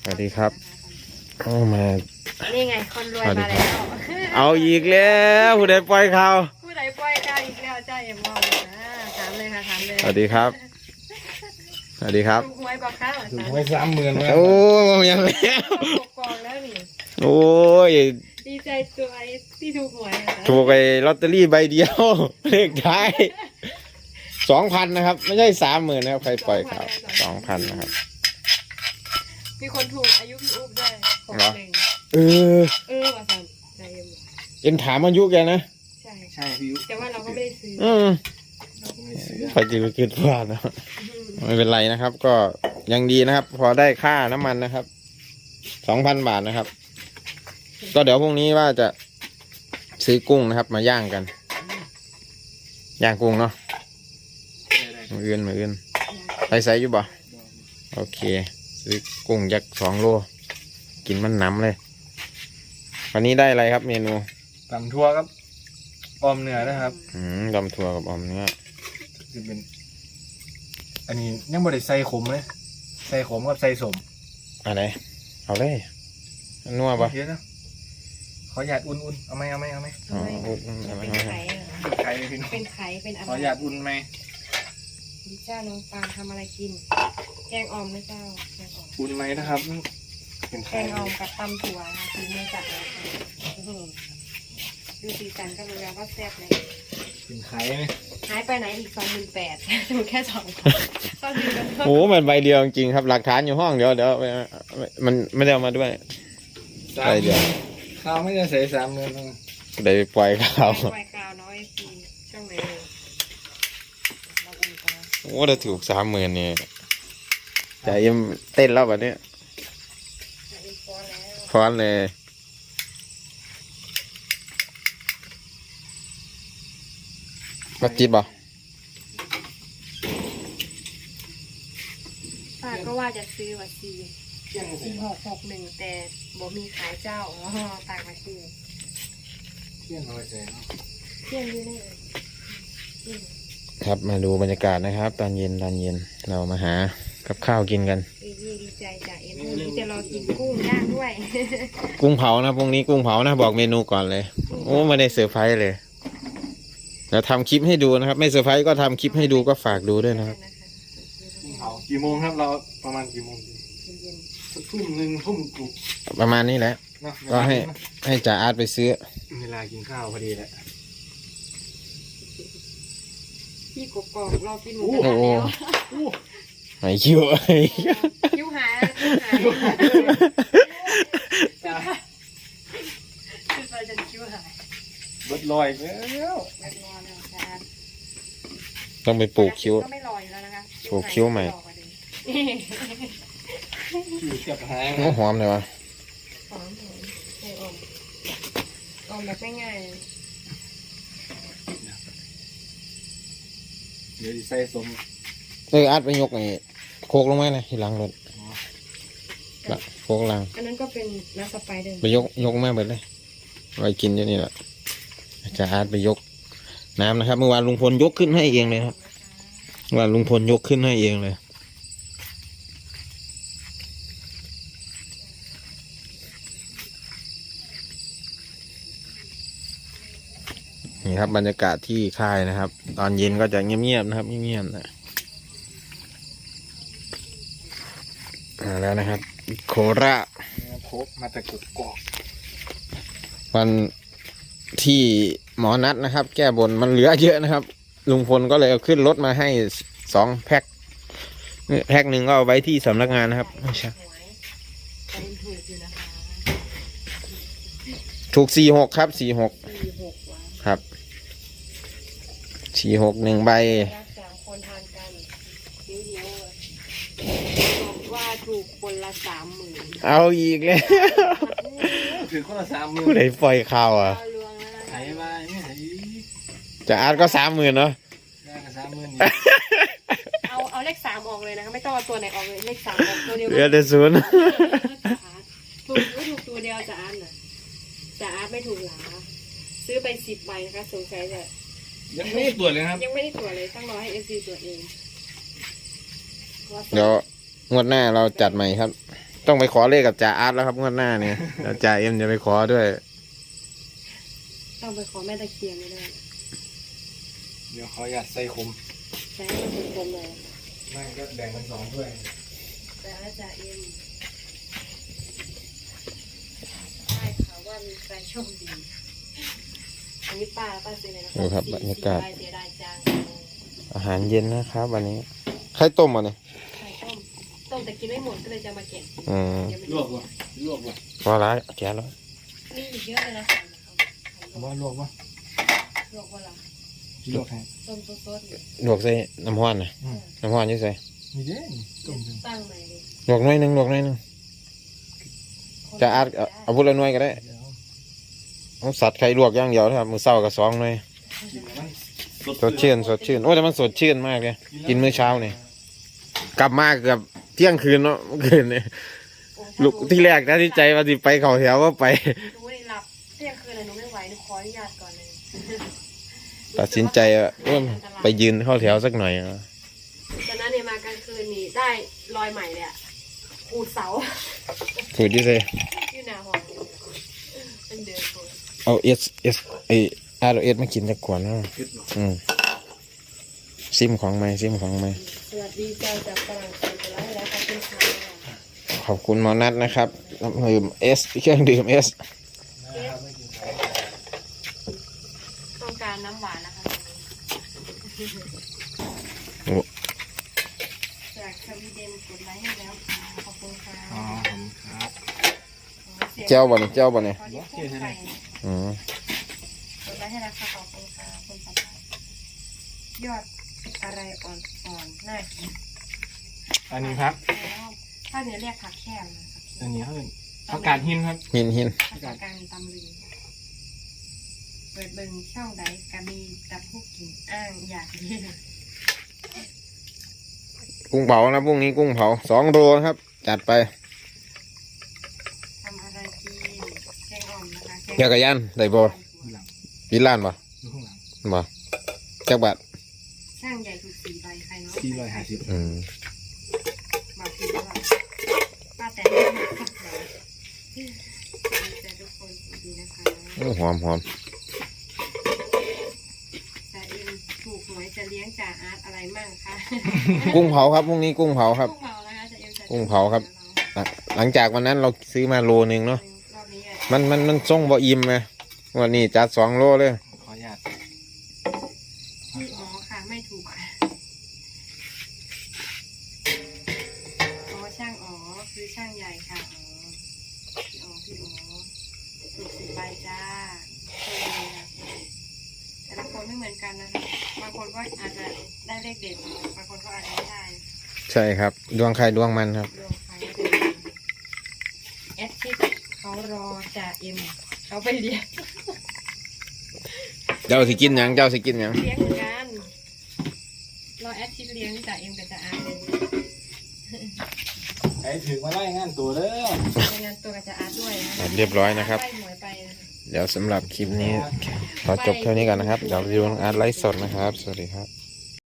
สวัสดีครับเข้ามานี่ไงคนรวยมาแล้วเอาอีกแล้วผู้ใดปล่อยข่าวผู้ใดปล่อยได้อีกแล้วจ้าเอ็มมองถามเลยค่ะถามเลยสวัสดีครับสวัสดีครับถูกหวยบอกค่ะถูกหวย30,000แล้วโอ้ยังแล้วกองแล้วนี่โอ้ยดีใจตัวไอ้ที่ถูกหวยถูกไอ้ลอตเตอรี่ใบเดียวเลขท้าย2,000นะครับไม่ใช่30,000นะครับใครปล่อยข่าว2,000นะครับมีคนถูกอายุพี่อุ๊บด้วยเออว่าสั่นใจเอ็นถามอายุแกนะใช่พี่อุ๊บแต่ว่าเราก็ไม่ได้ซื้อเราก็ไม่ซื้อไปจืดเกินพลาดนะไม่เป็นไรนะครับ ก็ยังดีนะครับ พอได้ค่าน้ำมันนะครับ2,000 บาทนะครับก็เดี๋ยวพรุ่งนี้ว่าจะซื้อกุ้งนะครับมาย่างกันย่างกุ้งเนาะมืออื่นไปใส่อยู่บ่โอเคซื้อกุ้งยักษ์2 โลกินมันน้ำเลยวันนี้ได้อะไรครับเมนูตำทั่วครับออมเนื้อนะครับตำถั่วกับออมเนื้อจะเป็นอันนี้ยังบ่ได้ใส่ขมเลยใส่ขมกับใส่สมอะไรเอาเลยนัวปะเยอะนะขอหยาดอุ่นๆเอาไหมเป็นไข่เป็นไข่เป็นอะไรขอหยาดอุ่นไหมดิจ้าน้องปานทำอะไรกินแกงออมนะเจ้าแกงออมอุ่นไหมนะครับแกงออมกับตำถั่วนะกินไม่จัดเลยดูสีสันก็รู้แล้วว่าแซ่บเลยเป็นไข่ไหมหายไปไหนอีก28,000ถูกแค่2 ต้องดูกันโอ้มันใบเดียวจริงครับหลักฐานอยู่ห้องเดี๋ยวมันไม่ได้เอามาด้วยใบเดียวข้าวไม่ได้ใส่30,000 ได้ปล่อยข่าวน้อยปีช่องไหนโอ้ถ้าถูก30,000นี่ใจเอ็มเต้นแล้วแบบนี้ฟ้อนเลยมาจิบบ่ป้าก็ว่าจะซื้อว่า4661แต่บ่มีขายเจ้าต่างมาซื้อเที่ยงน้อยใจเที่ยงอยู่นี่ครับมาดูบรรยากาศนะครับตอนเย็นเรามาหากับข้าวกินกันดีใจจ้ะเอ็มนี่จะรอกินกุ้งย่างด้วยกุ้งเผานะพรุ่งนี้กุ้งเผานะบอกเมนูก่อนเลยโอ้ไม่ได้เซอร์ไพรส์เลยเดี๋ยวทำคลิปให้ดูนะครับไม่เซอร์ไพรส์ก็ทำคลิปให้ดูก็ฝากดูด้วยนะครับกี่โมงครับเราประมาณกี่โมงทุ่มหนึ่งทุ่มกลุ่มประมาณนี้แหละก็ให้จ่าอาร์ตไปซื้อเวลากินข้าวพอดีแหละพี่กบรอกินหมูกระทะแล้วหายคิวคิวหายคือไปจนคิวหายเบิดลอยแล้วต้องไปปลูกคิ้วก็ไม่ลอยแล้วนะคะปลูกคิ้วใหม่หอมเลยวะหอมแบบง่ายเดี๋ยวใส่สมอัดไปยกไอ้โคกลงมาเลยที่หลังรถโคกลังอันนั้นก็เป็นน้ำสไปเดอร์ไปยกมาเบิดเลยไว้กินอยู่นี่แหละจะอาร์ตไปยกน้ำนะครับเมื่อวานลุงพลยกขึ้นให้เองเลยครับว่าลุงพลยกขึ้นให้เองเลยนี่ครับบรรยากาศที่ค่ายนะครับตอนเย็นก็จะเงียบๆนะครับเงียบๆนะแล้วนะครับโคราชโคกมาแต่กุกกอกวันที่หมอนัดนะครับแก้บนมันเหลือเยอะนะครับลุงพลก็เลยเอาขึ้นรถมาให้2 แพ็คหนึ่งก็เอาไว้ที่สำนักงานนะครับไม่ใช่ถูก46ครับ46ครับ46 1 ใบว่าถูกคนละ30,000 เอาอีกเลยถือคนละ30,000 ผู้ใดปล่อยข่าวอ่ะหายไปไม่หายจะอาร์ตก็30,000เนาะเอาเลข3ออกเลยนะคะไม่ต้องเอาตัวไหนออกเลยเลข3ออกตัวเดียวเหลือแต่0 ถูกตัวเดียวจะอาร์ตไม่ถูกหลาซื้อไป10 ใบนะคะสงสัยจะยังไม่ได้ตรวจเลยครับยังไม่ได้ตรวจเลยต้องรอให้SCตรวจเองเดี๋ยวงวดหน้าเราจัดใหม่ครับต้องไปขอเลขกับจ่าอาร์ตแล้วครับงวดหน้าเนี่ยแล้วจ่าเอ็มจะไปขอด้วยต้องไปขอแม่ตะเคียนไม่ได้เดี๋ยวขออยากใส่ขมใช้ให้มันกลมๆเลยไม่ก็แบ่งเป็นสองถ้วยแต่อาจารย์เอ็มได้ค่ะว่ามีใครโชคดีอันนี้ป้าซื้อเลยนะดูครับบรรยากาศเสียดายจังอาหารเย็นนะครับวันนี้ไข่ต้มมาเนี่ยไข่ต้มแต่กินไม่หมดก็เลยจะมาเก็บอืมเดี๋ยวมันลวกวะลวกวะพอละแกะแล้วมีอีกเยอะเลยนะว่าลวกวะลวกว่าละลวกให้ต้มสดๆเลยลวกใส่น้ำห้อนนะน้ำห้อนอยี่ใส่มีเด้ต้มจนตั้งใหม่เลยลวกหน้อยหนึงลวกหน้อยหนึงจ่าอาร์ตเอาพูดละหน่วยก็ได้เดี๋ยวเอาสัตว์ไข่ลวกอย่างเดียวนะครับมือเศร้ากับ2หน่วยกินมันสดชื่นสดชื่นโอ้แต่มันสดชื่นมากเลยกินมื้อเช้าเนี่ยกลับมาเกือบเที่ยงคืนเนาะเมื่อคืนเนี่ยลูกที่แรกนะที่ใจว่าสิไปเขาแถวว่าไปหนูไม่ได้หลับเที่ยงคืนเลยหนูไม่ไหวหนูขออนุญาตก่อนเลยตัดสินใจว่าไปยืนเข้าแถวสักหน่อยอะตอนนั้นเนี่ยมากลางคืนนี่ได้รอยใหม่เลยอะขูดเสาถูกที่ใส่อยู่หน้าห้องเป็นเดือนคนเอาไอRS มากินสักขวดเนาะคิดหรอซิมของใหม่ซิมของใหม่สวัสดีเจ้าจากฝรั่งเศสไปแล้วแล้วขอบคุณค่ะขอบคุณหมอนัทนะครับน้ำดื่มเครื่องดื่ม S นะครับไม่กินไข่ต้องการน้ำหวานนะคะโอ้จากสวีเดนกดไลค์ให้แล้วค่ะขอบคุณค่ะอ๋อผมครับเจ้าบ่เนี่ยเจ้าบ่เนี่ยขอที่พูดไข่อืมกดไลค์ให้แล้วค่ะขอบคุณค่ะคุณสบายยอดอะไรอ่อนๆน่ากินอันนี้ครับแล้วถ้าเนื้อเรียกผักแค่นะอันนี้เขาเป็นผักกาดหินครับหินภาษากลางตำลึงเปิดเบิ่งช่องใดก็มีแต่ผู้กินอ้างอยากเรียนกุ้งเผานะพรุ่งนี้กุ้งเผา2 โลครับ จัดไปทำอะไรกินแกงอ่อมนะคะเกี่ยวกับยันได้บ่ดูหลังวิลล้านบ่ดูข้างหลังบ่จักบาทช่างใหญ่ถูก4 ใบใครเนาะ 450 อืมบอกผิดหรือเปล่าป้าแต่ให้มาขับเราดีใจทุกคนดีนะคะโอ้หอมจ่าเอ็มถูกหวยจะเลี้ยงจ่าอาร์ตอะไรมั่งคะกุ้งเผาครับพรุ่งนี้กุ้งเผาครับกุ้งเผานะคะจ่าเอ็มจะกุ้งเผาครับ หลังจากวันนั้นเราซื้อมาโลนึงเนาะรอบนี้อ่ะมันส่งบ่อิ่มไงวันนี้จัด2 โลเลยขออนุญาตพี่อ๋อค่ะไม่ถูกค่ะอ๋อช่างอ๋อคือช่างใหญ่ค่ะอ๋อพี่อ๋อถูก10 ใบจ้าโชคดีนะแต่ละคนไม่เหมือนกันนะคะบางคนก็อาจจะได้เลขเด็ดบางคนก็อาจจะไม่ได้ใช่ครับ ดวงใครดวงมันครับดวงใครแอดชิดเขารอจ่าเอ็มเขาไปเลี้ยงเจ้าสิกินหยังเจ้าสิกินหยังเลี้ยงเหมือนกันรอแอดชิดเลี้ยงจ่าเอ็มกับจ่าอาร์ตเลยไอ้ถึงมาไล่งานตัวเด้อรายงานตัวกับจ่าอาร์ตด้วยนะเรียบร้อยนะครับไล่หวยไปนะคะเดี๋ยวสำหรับคลิปนี้ขอจบเท่านี้กันนะครับ เดี๋ยวไปดูน้องอาร์ตไลฟ์สดนะครับ สวัสดีครับ